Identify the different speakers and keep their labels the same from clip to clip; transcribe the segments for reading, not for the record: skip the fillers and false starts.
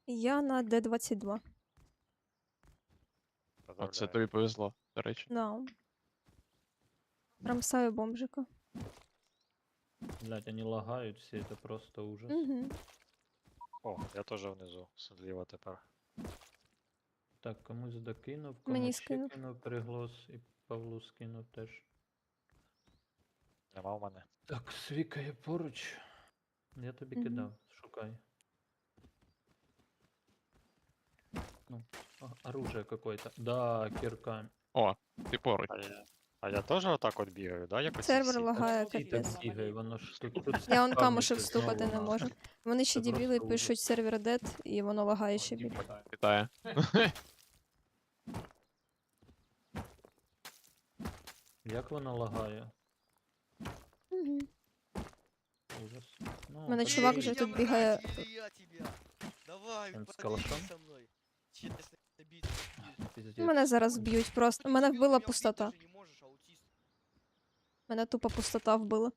Speaker 1: Я на Д-22.
Speaker 2: Оце
Speaker 3: Поздравляю.
Speaker 2: тобі повезло, до речі.
Speaker 1: Да. Рамсаю бомжика.
Speaker 4: Блять, они лагают все, это просто ужас.
Speaker 1: Угу.
Speaker 3: О, я теж внизу, зліва тепер.
Speaker 4: Так, комусь докинув,
Speaker 1: Мені
Speaker 4: комусь ще
Speaker 1: скинув.
Speaker 4: кинув переглос і Павлу скинув теж.
Speaker 3: Нема в мене.
Speaker 4: Так, Свіка є поруч. Я тобі
Speaker 1: Мгм.
Speaker 4: кидав, шукай. Ну, оружие какое-то. Да, кирка.
Speaker 2: О, ти поруч.
Speaker 3: А я теж отак от бігаю, да? Якось
Speaker 1: Сервер
Speaker 3: всі?
Speaker 1: лагає,
Speaker 4: Всі
Speaker 1: капець.
Speaker 4: так бігає, воно ж тут
Speaker 1: Я он
Speaker 4: спавниться
Speaker 1: камушек
Speaker 4: знову
Speaker 1: стукати не
Speaker 4: нахуй.
Speaker 1: можу. Вони ще
Speaker 4: Це
Speaker 1: дебіли
Speaker 4: просто
Speaker 1: пишуть сервер дед, і воно лагає ще більше.
Speaker 2: Вітаю.
Speaker 4: Як воно лагає?
Speaker 1: Угу.
Speaker 4: Ужас. Ну,
Speaker 1: У мене
Speaker 4: так
Speaker 1: чувак
Speaker 4: і
Speaker 1: вже
Speaker 4: є.
Speaker 1: тут бігає.
Speaker 5: Я тебя. Давай,
Speaker 4: Он с
Speaker 5: поделись
Speaker 4: калашом?
Speaker 5: со мной. Честно, бить.
Speaker 4: Пиздец.
Speaker 1: Мене зараз б'ють просто. Мене вбила пустота.
Speaker 5: Ты не можешь, аутист.
Speaker 1: Мене тупо пустота вбила.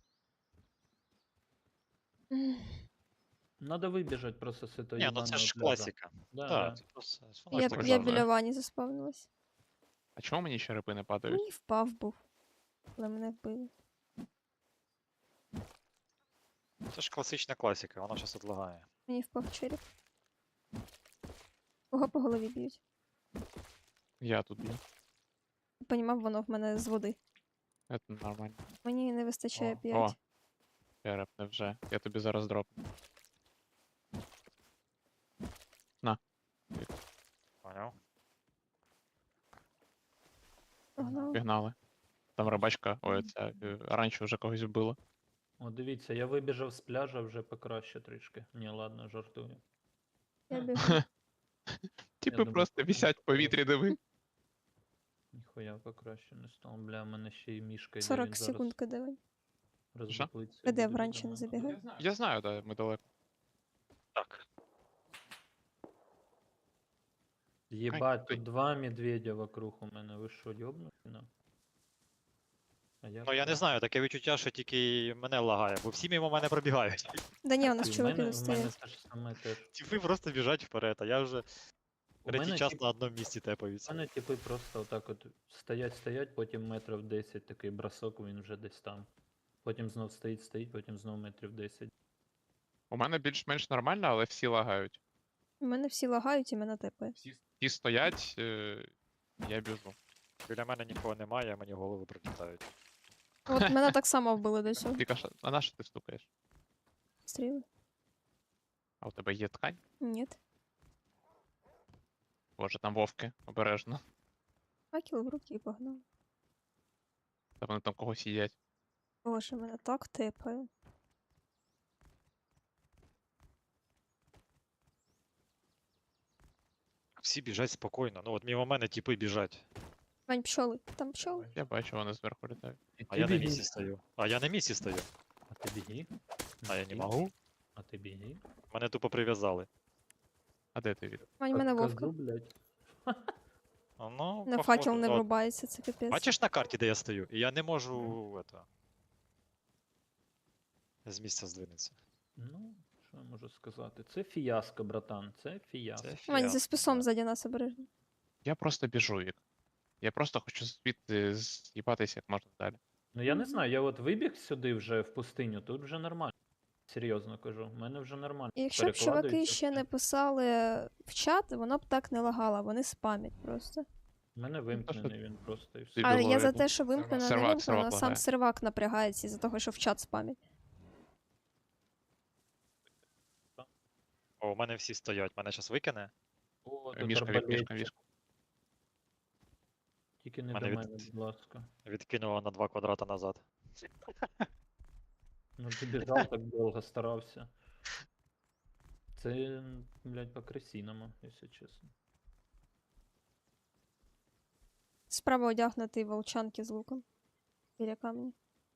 Speaker 4: Надо выбежать просто с этого
Speaker 3: Ні, ну це
Speaker 4: ебаного
Speaker 3: ж
Speaker 4: пляжа.
Speaker 3: класика.
Speaker 4: Да,
Speaker 3: Да,
Speaker 4: да.
Speaker 3: це просто
Speaker 1: Я,
Speaker 2: так
Speaker 1: я
Speaker 2: само.
Speaker 1: біля вані заспавнилась.
Speaker 2: А чому мені черепи не падають?
Speaker 1: Мені впав був. Але мене вбили.
Speaker 3: Це ж класична класика, вона щас отлагає.
Speaker 1: Мені впав череп. Кого по голові б'ють?
Speaker 2: Я тут б'ю.
Speaker 1: Понімав, воно в мене з води.
Speaker 2: Це нормально.
Speaker 1: Мені не вистачає
Speaker 4: О,
Speaker 1: 5.
Speaker 2: О. Череп, невже. Я тобі зараз дропну.
Speaker 3: Поняв?
Speaker 1: Погнали.
Speaker 2: Пігнали. Там рибачка, ой, ця раніше вже когось вбила.
Speaker 4: О, дивіться, я вибіжав з пляжа вже покраще трішки. Ні, ладно, жартую.
Speaker 1: Я бігу.
Speaker 2: Типи
Speaker 4: думаю,
Speaker 2: просто
Speaker 4: потім
Speaker 2: висять в повітрі, диви.
Speaker 4: Ніхуя покраще не стало. Бля, в мене ще й мішка йде,
Speaker 1: 40
Speaker 4: він
Speaker 1: секунд кидавай.
Speaker 4: роздуплиться.
Speaker 1: Де вранці не забігай?
Speaker 2: Я знаю, да, ми далеко.
Speaker 3: Так.
Speaker 4: Єбать,
Speaker 2: Ай,
Speaker 4: тут 2 медведя вокруг у мене. Ви що, йобнуті? А як
Speaker 3: Ну я не
Speaker 4: так?
Speaker 3: знаю, таке відчуття, що тільки мене лагає, бо всі мимо мене пробігають.
Speaker 1: Да ні, у нас
Speaker 4: І в
Speaker 1: чуваки
Speaker 4: мене,
Speaker 1: тут
Speaker 4: в мене
Speaker 1: стоять.
Speaker 4: те ж саме теж.
Speaker 3: Типи просто біжать вперед, а я вже
Speaker 4: У
Speaker 3: третій
Speaker 4: мене,
Speaker 3: час
Speaker 4: тип,
Speaker 3: на одному місці
Speaker 4: у
Speaker 3: тепаються.
Speaker 4: мене типи просто отак от стоять, потім метрів 10 такий бросок, він вже десь там. Потім знов стоїть, потім знов метрів 10.
Speaker 2: У мене більш-менш нормально, але всі лагають.
Speaker 1: У мене всі лагають і мене тепає.
Speaker 2: Всі стоять, я біжу.
Speaker 3: Біля мене нікого немає, а мені голови прилітають.
Speaker 1: От мене так само вбили до цього.
Speaker 2: Віка, а на що ти стукаєш?
Speaker 1: Стріли?
Speaker 2: А у тебе є ткань?
Speaker 1: Ні.
Speaker 2: Боже, там вовки, обережно.
Speaker 1: Факел в руки і погнав.
Speaker 2: Та вони там когось їдять.
Speaker 1: Боже, мене так тепає.
Speaker 3: Всі біжать спокійно. Ну от мимо мене типи біжать.
Speaker 1: Вань, пчоли. Там пчоли?
Speaker 2: Я бачу, вони зверху літають.
Speaker 3: А я на місці стою. А я на місці стою.
Speaker 4: А ти біги?
Speaker 3: А я не можу.
Speaker 4: А ти біги?
Speaker 3: Мене тупо прив'язали.
Speaker 2: А де ти від?
Speaker 1: Вань, мене
Speaker 4: Кажу,
Speaker 1: вовка.
Speaker 4: блядь.
Speaker 3: А, ну,
Speaker 1: На
Speaker 3: походу,
Speaker 1: факел не
Speaker 3: от.
Speaker 1: врубається, це капець.
Speaker 3: Бачиш на карті, де я стою? І я не можу это, з місця здвинутися.
Speaker 4: Ну, що я можу сказати? Це фіаско, братан, це фіаско.
Speaker 3: Це
Speaker 1: Вань, за
Speaker 3: фіаско,
Speaker 1: списом
Speaker 3: да.
Speaker 1: ззаді нас обережно.
Speaker 2: Я просто біжу, Вік. Я просто хочу звідти з'їбатися як можна далі.
Speaker 4: Ну я не знаю, я от вибіг сюди вже в пустиню, тут вже нормально. Серйозно кажу, в мене вже нормально.
Speaker 1: І якщо б чуваки
Speaker 4: Перекладується
Speaker 1: ще
Speaker 4: все.
Speaker 1: не писали в чат, воно б так не лагало, вони спамять просто.
Speaker 4: У мене вимкнений він просто і все.
Speaker 2: Ти
Speaker 1: А
Speaker 2: було
Speaker 1: я за
Speaker 2: видно.
Speaker 1: те, що вимкнено, не
Speaker 2: Сервак
Speaker 1: вимкнено, сам
Speaker 2: лагає.
Speaker 1: сервак напрягається із-за того, що в чат спамять.
Speaker 3: О, у мене всі стоять, мене зараз викине.
Speaker 4: О, тут
Speaker 2: Мішка, Вік, мішка,
Speaker 4: арбалетчик.
Speaker 2: мішка.
Speaker 4: Тільки не
Speaker 3: Мене
Speaker 4: до
Speaker 3: від-
Speaker 4: мене, будь ласка.
Speaker 3: Відкинуло на 2 квадрата назад.
Speaker 4: Ну ти біжав так довго, старався. Це, блядь, по-красіному, якщо чесно.
Speaker 1: Справа одягнутий волчанки з луком. Біля камня.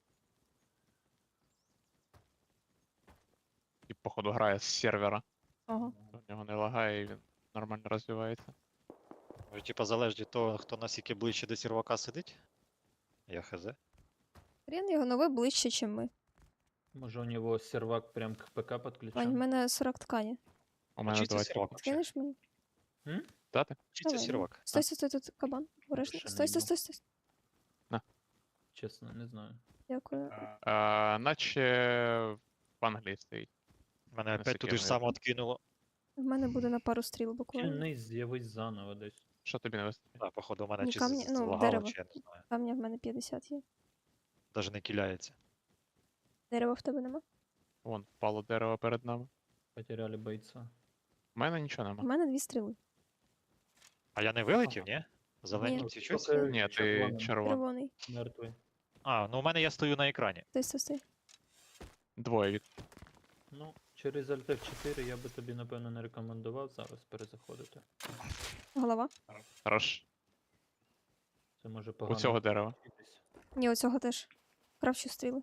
Speaker 2: І, походу, грає з сервера.
Speaker 1: Ага.
Speaker 2: У нього не лагає і він нормально розвивається.
Speaker 3: Може, типа залежить від того, хто наскільки ближче до сервака сидить? Я хз.
Speaker 1: Хрен його нове ближче, ніж ми.
Speaker 4: Може у нього сервак прям к ПК
Speaker 1: Вань, в
Speaker 4: підключений?
Speaker 1: мене 40 ткані.
Speaker 2: У мене
Speaker 3: Чистий
Speaker 2: 20.
Speaker 3: сірвак вообще.
Speaker 1: Скинеш мені?
Speaker 2: Дати?
Speaker 3: Чистий
Speaker 1: Давай.
Speaker 3: сірвак.
Speaker 1: Стой, стой, стой, тут кабан. Обережно.
Speaker 4: Ще не
Speaker 1: Стой, стой,
Speaker 4: їбав.
Speaker 1: стой, стой.
Speaker 4: Чесно, не знаю.
Speaker 1: Дякую.
Speaker 2: Наче в Англії стоїть.
Speaker 3: Мене опять
Speaker 2: Наскільки
Speaker 3: туди ж
Speaker 2: я
Speaker 3: само откинуло.
Speaker 1: В мене буде на пару стріл буквально.
Speaker 4: Тільний з'явись заново десь.
Speaker 2: Що тобі не вистачить?
Speaker 3: Так, походу, у мене
Speaker 1: Ні,
Speaker 3: чи
Speaker 1: камні- ну,
Speaker 3: злагало,
Speaker 1: дерево.
Speaker 3: чи я не знаю.
Speaker 1: Камня в мене 50 є.
Speaker 3: Даже не киляється.
Speaker 1: Дерева в тебе нема?
Speaker 2: Вон, впало дерево перед нами.
Speaker 4: Потеряли бойця.
Speaker 2: У мене нічого
Speaker 1: У
Speaker 2: нема.
Speaker 1: мене 2 стріли.
Speaker 3: А я не вилетів, ні? Зелені
Speaker 1: Ні.
Speaker 3: свічусь?
Speaker 4: Поки
Speaker 2: Ні, ти
Speaker 4: червоним,
Speaker 2: червоний.
Speaker 1: Червоний.
Speaker 4: Мертвий.
Speaker 3: А, ну у мене я стою на екрані.
Speaker 1: Стой, стой, стой.
Speaker 2: Двоє від.
Speaker 4: Ну, через Alt F4 я би тобі, напевно, не рекомендував зараз перезаходити.
Speaker 1: Голова?
Speaker 2: Хорош.
Speaker 4: Це може
Speaker 2: У
Speaker 4: погано.
Speaker 2: цього дерева.
Speaker 4: закінчитись.
Speaker 1: Ні, оцього теж. Кравчу стріли.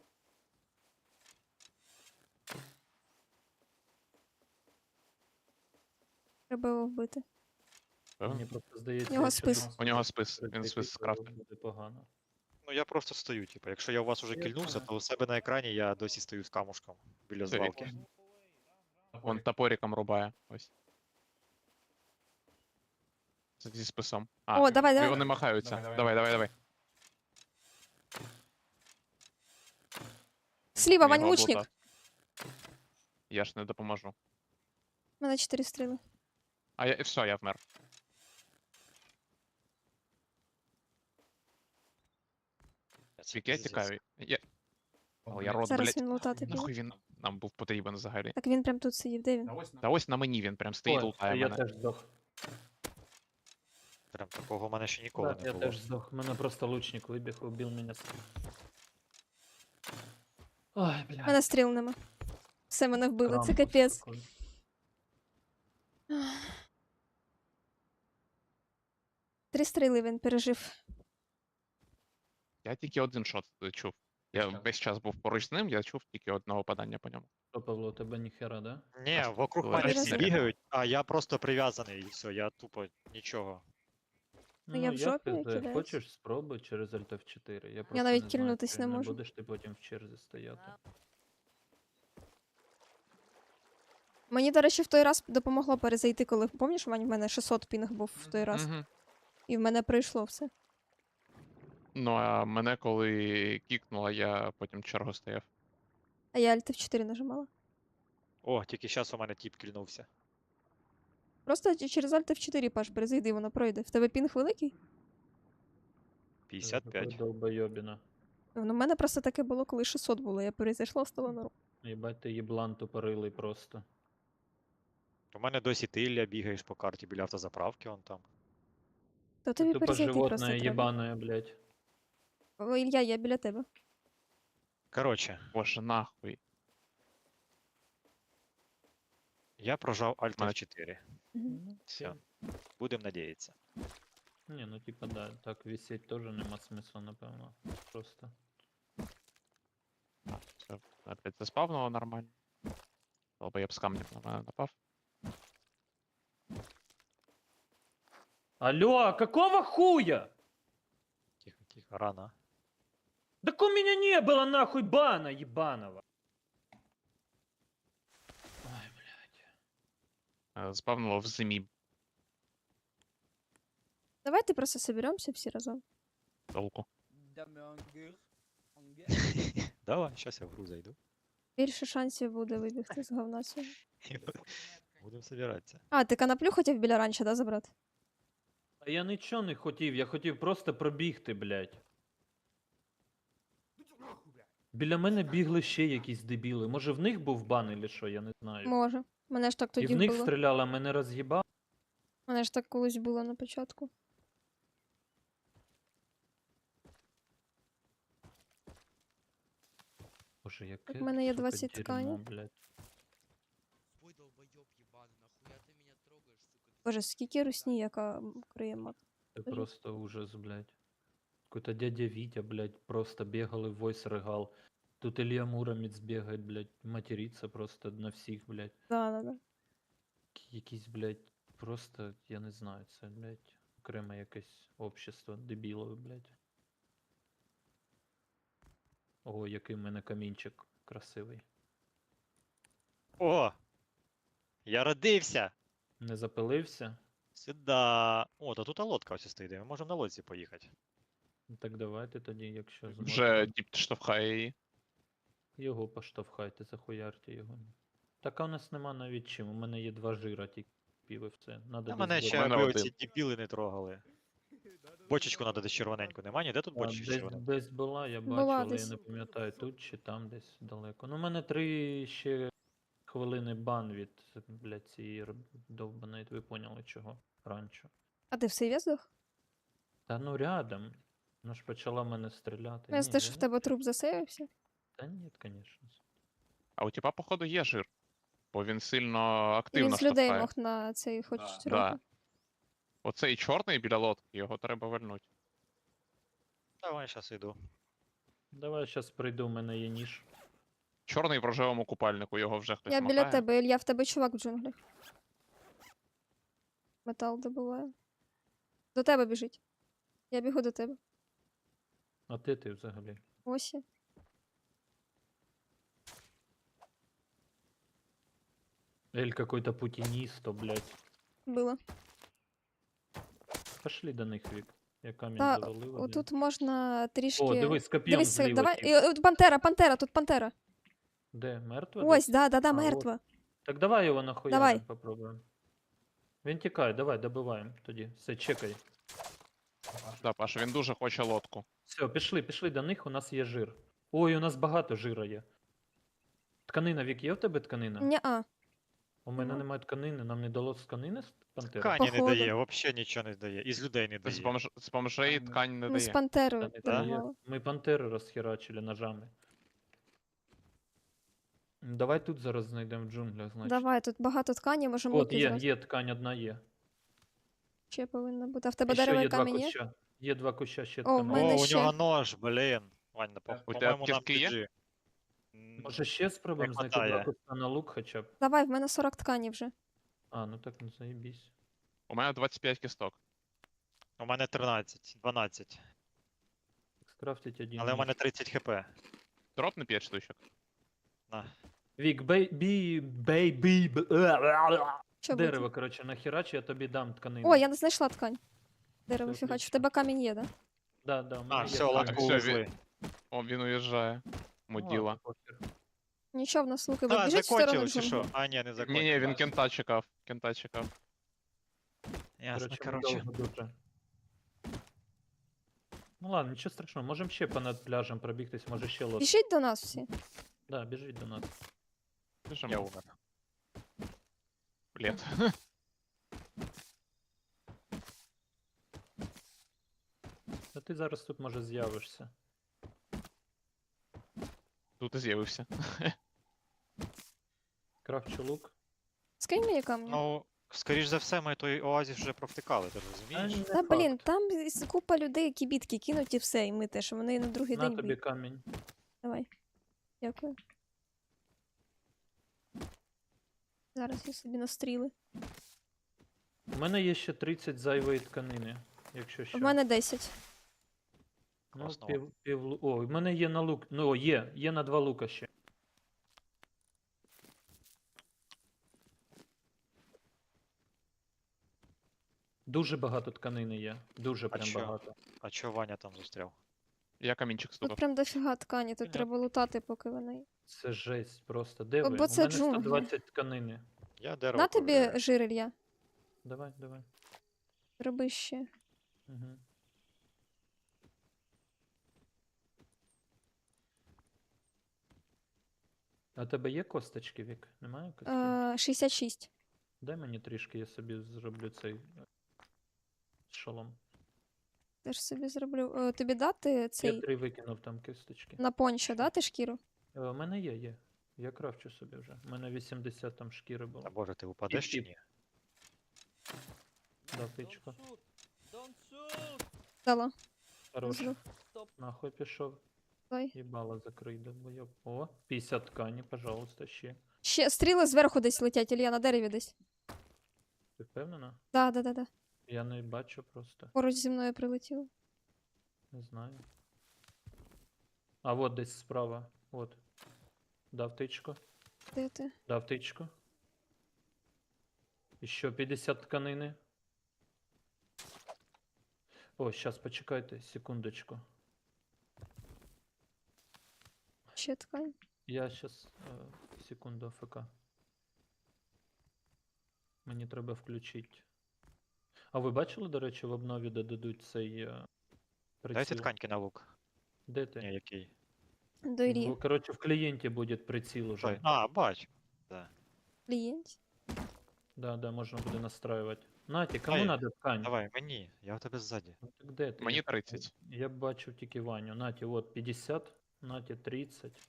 Speaker 1: Треба його вбити.
Speaker 2: Певно?
Speaker 4: Мені просто здається,
Speaker 1: У нього
Speaker 4: якщо
Speaker 1: спис.
Speaker 4: нас
Speaker 2: У нього спис. Він
Speaker 4: прикрити,
Speaker 2: спис
Speaker 4: то
Speaker 2: скрафтив.
Speaker 4: буде погано.
Speaker 3: Ну я просто стою, типу. Якщо я у вас уже
Speaker 4: Я
Speaker 3: кільнувся,
Speaker 4: знаю.
Speaker 3: то у себе на екрані я досі стою з камушком біля
Speaker 2: Це
Speaker 3: звалки.
Speaker 2: якось. Вон топориком рубає. Ось. Це зі списом.
Speaker 1: О, давай, давай.
Speaker 2: Вони махаються. Давай, давай, давай.
Speaker 1: Сліва,
Speaker 2: Він
Speaker 1: Вань,
Speaker 2: його
Speaker 1: лучник.
Speaker 2: облутав. Я ж не допоможу.
Speaker 1: У мене 4 стріли.
Speaker 2: А я все, я вмер. Скільки я тікаю. Але я рот,
Speaker 1: Зараз
Speaker 2: блядь.
Speaker 1: він лутати піде.
Speaker 2: Нахуй він нам був потрібен взагалі.
Speaker 1: Так він прям тут сидів, де він?
Speaker 2: Та ось на мені він прям стоїть,
Speaker 4: Ой,
Speaker 2: лутає
Speaker 4: я
Speaker 2: мене.
Speaker 4: теж здох.
Speaker 3: Прям такого в мене ще ніколи
Speaker 4: Так,
Speaker 3: не
Speaker 4: я
Speaker 3: було.
Speaker 4: теж здох. Мене просто лучник вибіг, убив мене. Ой, бля.
Speaker 1: У мене стріл нема. Все, мене вбили, це
Speaker 4: Крампус
Speaker 1: капець.
Speaker 4: такий.
Speaker 1: Три стріли він пережив.
Speaker 2: Я тільки один шот чув. Я весь час був поруч з ним, я чув тільки одного падання по ньому.
Speaker 4: Що, Павло, у тебе ніхера, да?
Speaker 3: Ні,
Speaker 2: Аж
Speaker 3: вокруг
Speaker 2: була
Speaker 3: мене всі
Speaker 1: різниця.
Speaker 3: бігають, а я просто прив'язаний і все, я тупо нічого.
Speaker 1: Ну, я в жопі кидаюсь.
Speaker 4: Хочеш спробуй через Alt F4. Я просто
Speaker 1: навіть
Speaker 4: не знаю,
Speaker 1: кільнутись
Speaker 4: чи
Speaker 1: не можу.
Speaker 4: будеш ти потім в черзі стояти.
Speaker 1: Мені, до речі, в той раз допомогло перезайти, коли пам'ятаєш, Вань, в мене 600 пінг був в той раз.
Speaker 2: Мгм.
Speaker 1: І в мене пройшло все.
Speaker 2: Ну а мене коли кікнуло, я потім чергу стояв.
Speaker 1: А я Alt F4 нажимала.
Speaker 3: О, тільки зараз у мене тіп кільнувся.
Speaker 1: Просто через Alt F4, Паш, перезайди, воно пройде. В тебе пінг великий?
Speaker 3: 55.
Speaker 4: Долбойобіна.
Speaker 1: Ну, в мене просто таке було, коли 600 було. Я перезайшла, стало норм.
Speaker 4: Єбать, ти єблан тупорилий просто.
Speaker 3: У мене досі ти, Ілля, бігаєш по карті біля автозаправки, он там.
Speaker 1: То
Speaker 4: Ти
Speaker 1: тобі
Speaker 4: тупо
Speaker 1: перезайти просто
Speaker 4: животное
Speaker 1: треба.
Speaker 4: єбаное, блядь.
Speaker 1: О, Ілля, я біля тебе.
Speaker 3: Коротше,
Speaker 2: Боже, нахуй.
Speaker 3: я прожав Alt
Speaker 2: Мене-
Speaker 3: F4.
Speaker 1: Мгм.
Speaker 3: Все. Будем надіятися.
Speaker 4: Ні, ну типа да, так висеть теж нема смисла, напевно. Просто.
Speaker 2: Все, опять заспавнуло нормально. Або я б з камнем на мене напав.
Speaker 4: Алло, какого хуя?
Speaker 3: Тихо, тихо, рано.
Speaker 4: Так у меня не было нахуй бана ебаного. Ой, блядь.
Speaker 2: Спавнуло в зимі
Speaker 1: Давайте просто соберемося всі разом.
Speaker 2: толку.
Speaker 3: Давай, зараз я в гру зайду.
Speaker 1: Більше шансів буде вибігти з говна цього.
Speaker 3: Будемо збиратися.
Speaker 1: А, ти канаплю хотів біля ранча, да, забрати?
Speaker 4: А я нічого не хотів, я хотів просто пробігти, блядь. Біля мене бігли ще якісь дебіли. Може в них був бан или що, я не знаю.
Speaker 1: Може. Мене ж так
Speaker 4: І
Speaker 1: тоді
Speaker 4: в них
Speaker 1: було.
Speaker 4: стріляла, мене роз'їбав.
Speaker 1: Мене ж так колись було на початку.
Speaker 4: Боже, яке,
Speaker 1: в мене є
Speaker 4: сука,
Speaker 1: 20
Speaker 4: дерьмо,
Speaker 1: тканів.
Speaker 4: блядь.
Speaker 5: Ой, долбоёб ебаный, нахуя ты меня трогаешь, сука?
Speaker 1: Боже, скільки русні, яка криє мат.
Speaker 4: Це
Speaker 1: Скажи.
Speaker 4: просто ужас, блядь. Какой-то дядя Витя, блядь, просто бегал и войс рыгал. Тут Илья Муромец бегает, блядь, матерится просто на всіх, блядь.
Speaker 1: Да.
Speaker 4: Якісь, блядь, просто, я не знаю, це, блядь, окреме якесь общество дебілове, блядь. О, який в мене камінчик красивий.
Speaker 3: О! Я родився!
Speaker 4: Не запилився?
Speaker 3: Сюда. О, то тут лодка ось стоїть. Ми можемо на лодці поїхати.
Speaker 4: Ну, так давайте тоді, якщо
Speaker 2: Вже
Speaker 4: зможете.
Speaker 2: діп штовхає її.
Speaker 4: Його поштовхайте, захуярте його. Так а у нас нема навіть чим. У мене є 2 жира тільки пів і все. Надо
Speaker 3: А
Speaker 4: десь
Speaker 3: мене
Speaker 4: було.
Speaker 3: ще
Speaker 2: мене
Speaker 3: аби
Speaker 2: один.
Speaker 3: оці дебіли не трогали. Бочечку треба десь червоненьку. Нема ніде тут
Speaker 4: А,
Speaker 3: бочечки
Speaker 4: десь,
Speaker 3: червоненькі?
Speaker 4: десь була, я бачу,
Speaker 1: Була
Speaker 4: але я
Speaker 1: десь.
Speaker 4: не пам'ятаю, тут чи там десь далеко. Ну, у мене 3 ще хвилини бан від, блядь, цієї довбаної, ви поняли чого, ранчо.
Speaker 1: А ти в сейві здох?
Speaker 4: Та ну рядом. Вона ж почала мене стріляти.
Speaker 1: Я
Speaker 4: Ні,
Speaker 1: те, що
Speaker 4: я
Speaker 1: в
Speaker 4: не-
Speaker 1: тебе труп засейвився.
Speaker 4: Та ні, звісно.
Speaker 2: А у тіпа, походу, є жир. Бо він сильно
Speaker 1: І він
Speaker 2: активно
Speaker 1: з людей
Speaker 2: штовхає.
Speaker 1: мог на цей хоч
Speaker 2: Да.
Speaker 1: трохи.
Speaker 2: Оцей чорний біля лодки, його треба вернути.
Speaker 3: Давай, зараз йду.
Speaker 4: Давай зараз прийду, у мене є ніж.
Speaker 2: Чорний в рожевому купальнику, його вже хтось
Speaker 1: Я
Speaker 2: махає.
Speaker 1: біля тебе, Ілля, в тебе чувак в джунглях. Метал добуває. До тебе біжить. Я бігу до тебе.
Speaker 4: А ти взагалі?
Speaker 1: Ось я.
Speaker 4: Эль какой-то путинисто, блядь.
Speaker 1: Було.
Speaker 4: Пошли до них, Вік. Я камінь
Speaker 1: Та,
Speaker 4: завалила. блядь.
Speaker 1: отут можна трішки.
Speaker 4: О, дивись, коп'єм
Speaker 1: Дивись,
Speaker 4: зліва.
Speaker 1: давай.
Speaker 4: тип.
Speaker 1: От пантера, тут пантера.
Speaker 4: Де, мертва?
Speaker 1: Ось,
Speaker 4: десь?
Speaker 1: да,
Speaker 4: А, от.
Speaker 1: мертва.
Speaker 4: Так давай його нахуя
Speaker 1: Давай.
Speaker 4: попробуємо. Він тікає, давай, добиваємо тоді. Все, чекай.
Speaker 2: Да, Паша, він дуже хоче лодку.
Speaker 4: Все, пішли до них, у нас є жир. Ой, у нас багато жира є. Тканина, Вік, є в тебе тканина?
Speaker 1: Ня-а.
Speaker 4: У мене
Speaker 1: Нема.
Speaker 4: немає тканини, нам не дало тканини з пантери?
Speaker 3: Ткані не
Speaker 1: Походу.
Speaker 3: дає, взагалі нічого не дає. І з людей не
Speaker 2: З,
Speaker 3: дає.
Speaker 2: з бомжей ткань не
Speaker 1: Ми з
Speaker 2: дає.
Speaker 1: пантерою
Speaker 4: Та не
Speaker 3: Да?
Speaker 4: дає.
Speaker 1: допомагали.
Speaker 4: Ми пантери розхерачили ножами. Давай тут зараз знайдемо в джунглях, значить.
Speaker 1: Давай, тут багато ткані, можемо
Speaker 4: От,
Speaker 1: луки
Speaker 4: є,
Speaker 1: зразу.
Speaker 4: є ткань одна є.
Speaker 1: Ще повинна бути. А в тебе
Speaker 4: І ще
Speaker 1: дерево і
Speaker 4: є 2
Speaker 1: камінь є?
Speaker 4: куща. Є 2 куща ще
Speaker 1: О, в
Speaker 4: тканини.
Speaker 1: мене
Speaker 3: О, у
Speaker 1: ще-
Speaker 3: нього нож, блін. Вань,
Speaker 2: У тебе
Speaker 3: по-моєму, нам
Speaker 2: аптечки є?
Speaker 3: піджи.
Speaker 4: Може ще спробуємо знайти 2
Speaker 3: хватає.
Speaker 4: куста на лук хоча б.
Speaker 1: Давай, в мене 40 ткані вже.
Speaker 4: А, ну так, ну заєбісь.
Speaker 2: У мене 25 кісток.
Speaker 3: У мене 13, 12.
Speaker 4: Так, скрафтить один
Speaker 3: Але у
Speaker 4: ніж.
Speaker 3: мене 30 хп.
Speaker 2: Дропни 5 штучок.
Speaker 3: На.
Speaker 4: Вік,
Speaker 1: Що
Speaker 4: дерево,
Speaker 1: буде?
Speaker 4: коротше, нахірач, я тобі дам тканину.
Speaker 1: О, я не знайшла ткань. Дерево
Speaker 4: Це
Speaker 1: фігач. В
Speaker 4: отлично.
Speaker 1: тебе камінь є, да?
Speaker 4: Да, у мене
Speaker 3: А,
Speaker 4: є
Speaker 3: все,
Speaker 4: ткань.
Speaker 3: лодку
Speaker 2: всё,
Speaker 3: увезли.
Speaker 2: О, він уїжджає.
Speaker 4: Ну,
Speaker 2: Муділа.
Speaker 4: ладно, похер.
Speaker 1: Нічого, в нас луки. Ви
Speaker 3: А,
Speaker 1: біжіть в сторону
Speaker 3: закончили чи
Speaker 1: джунглів.
Speaker 3: що? А, ні, не закончили.
Speaker 2: Ні, він кента чекав. Кента чекав.
Speaker 3: Ясно,
Speaker 4: Коротше,
Speaker 3: короче.
Speaker 4: ми довго дуже. Ну ладно, нічого страшного, можемо ще понад пляжем пробігтись, може ще лодка.
Speaker 1: Біжіть до нас всі.
Speaker 4: Да, біжіть до нас.
Speaker 2: Біжимо.
Speaker 3: Я умер.
Speaker 2: Блін.
Speaker 4: А ти зараз тут може з'явишся.
Speaker 2: Тут і з'явився.
Speaker 4: Крафчу лук.
Speaker 1: Скинь мені камінь.
Speaker 3: Ну, скоріш за все, ми той оазіс вже провтикали, ти ж розумієш?
Speaker 4: не
Speaker 1: Та блін,
Speaker 4: факт.
Speaker 1: там купа людей, які бітки кинуть і все, і ми теж. Вони на другий
Speaker 4: На
Speaker 1: день
Speaker 4: тобі
Speaker 1: б'ють.
Speaker 4: камінь.
Speaker 1: Давай. Дякую. Зараз я собі настріли.
Speaker 4: У мене є ще 30 зайвої тканини, якщо що.
Speaker 1: В мене 10.
Speaker 4: Ну,
Speaker 3: Класно.
Speaker 4: О, в мене є на лук. Ну, о, є на 2 лука ще. Дуже багато тканини є. Дуже
Speaker 3: А
Speaker 4: прям
Speaker 3: чо?
Speaker 4: багато.
Speaker 3: А чого Ваня там застряв?
Speaker 2: Я камінчик
Speaker 1: Тут
Speaker 2: стукав.
Speaker 1: прям дофіга ткані, тут
Speaker 4: Ага.
Speaker 1: треба лутати, поки вони.
Speaker 4: Це жесть просто. Де
Speaker 1: Бо
Speaker 4: ви?
Speaker 1: це
Speaker 4: У мене
Speaker 1: джунглі.
Speaker 4: 120 тканини.
Speaker 3: Я дерево
Speaker 1: На тобі
Speaker 3: ковиряю.
Speaker 1: жир, Ілля.
Speaker 4: Давай.
Speaker 1: Роби ще.
Speaker 4: Угу. А у тебе є косточки, Вік? Немає косточки?
Speaker 1: 66.
Speaker 4: Дай мені трішки, я собі зроблю цей шолом.
Speaker 1: Теж собі зроблю. Тобі дати
Speaker 4: Я
Speaker 1: цей
Speaker 4: 3 викинув там кісточки.
Speaker 1: на пончо, дати шкіру?
Speaker 4: У мене є. Я крафчу собі вже. У мене 80 там шкіри було.
Speaker 3: Та боже, ти упадеш чи
Speaker 4: Тіп-тіп.
Speaker 3: ні?
Speaker 4: Да, тичко.
Speaker 1: Дала.
Speaker 4: Хорош.
Speaker 1: Зрив.
Speaker 4: Нахуй пішов.
Speaker 1: Давай.
Speaker 4: Їбало закрий, долбойоб. О, 50 ткані, пожалуйста, ще.
Speaker 1: Ще стріли зверху десь летять, Ілля, на дереві десь.
Speaker 4: Ти впевнена?
Speaker 1: Да.
Speaker 4: Я не бачу просто.
Speaker 1: Поруч зі мною прилетіло.
Speaker 4: Не знаю. А от десь справа. От. Дав тичку.
Speaker 1: Де ти?
Speaker 4: Дав тичку. Еще 50 тканини. О, сейчас почекайте, секундочку.
Speaker 1: Ще ткань.
Speaker 4: Я сейчас, секунду, АФК. Мені треба включити. А ви бачили, до речі, в обнові додадуть цей приціл?
Speaker 3: Дайте тканьки на лук.
Speaker 4: Де ти?
Speaker 3: Ні, який.
Speaker 1: Дорі.
Speaker 4: Короче, в клієнті буде приціл уже.
Speaker 3: Той. А, бач. Да.
Speaker 1: Клієнт.
Speaker 4: Да, да, можна буде настроювати. Наті, кому
Speaker 3: Ай,
Speaker 4: надо ткань?
Speaker 3: Давай, мені. Я у тебе ззаді.
Speaker 4: Ну, так де ти?
Speaker 2: Мені 30.
Speaker 4: Я бачив тільки Ваню. Наті, от 50, Наті 30.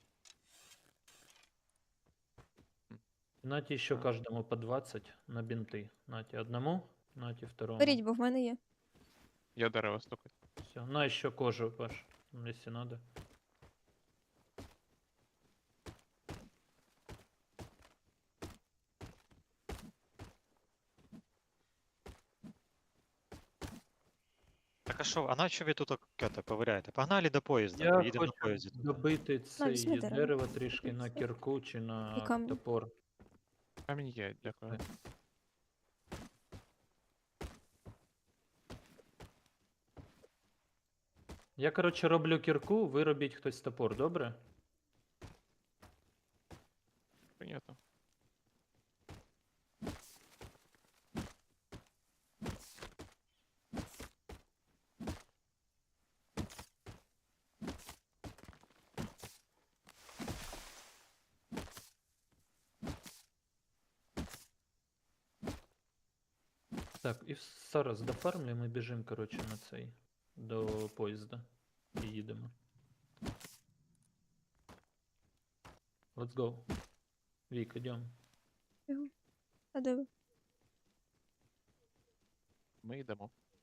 Speaker 4: Наті ще кожному по 20 на бінти. Наті одному, Наті второму.
Speaker 1: Беріть, бо в мене є.
Speaker 2: Я дерево стукаю.
Speaker 4: Все. На еще кожу, Паш, если надо.
Speaker 3: Так а що, а на що ви тут кете ковиряєте? Погнали до поїзда,
Speaker 4: Я
Speaker 3: поїдемо на
Speaker 4: хочу
Speaker 3: поїзді. туди.
Speaker 4: добити
Speaker 1: візьми
Speaker 4: цей
Speaker 1: дерево.
Speaker 4: дерево трішки на кірку чи на
Speaker 1: І камінь.
Speaker 4: топор.
Speaker 2: Камінь є, дякую.
Speaker 4: Я, коротше, роблю кірку, ви робіть хтось топор, добре?
Speaker 2: Понятно.
Speaker 4: Так, і зараз дофармлюємо і біжимо, коротше, на цей до поїзда. І їдемо. Let's go. Вік, ідемо.
Speaker 1: А де ви?
Speaker 2: Ми йдемо.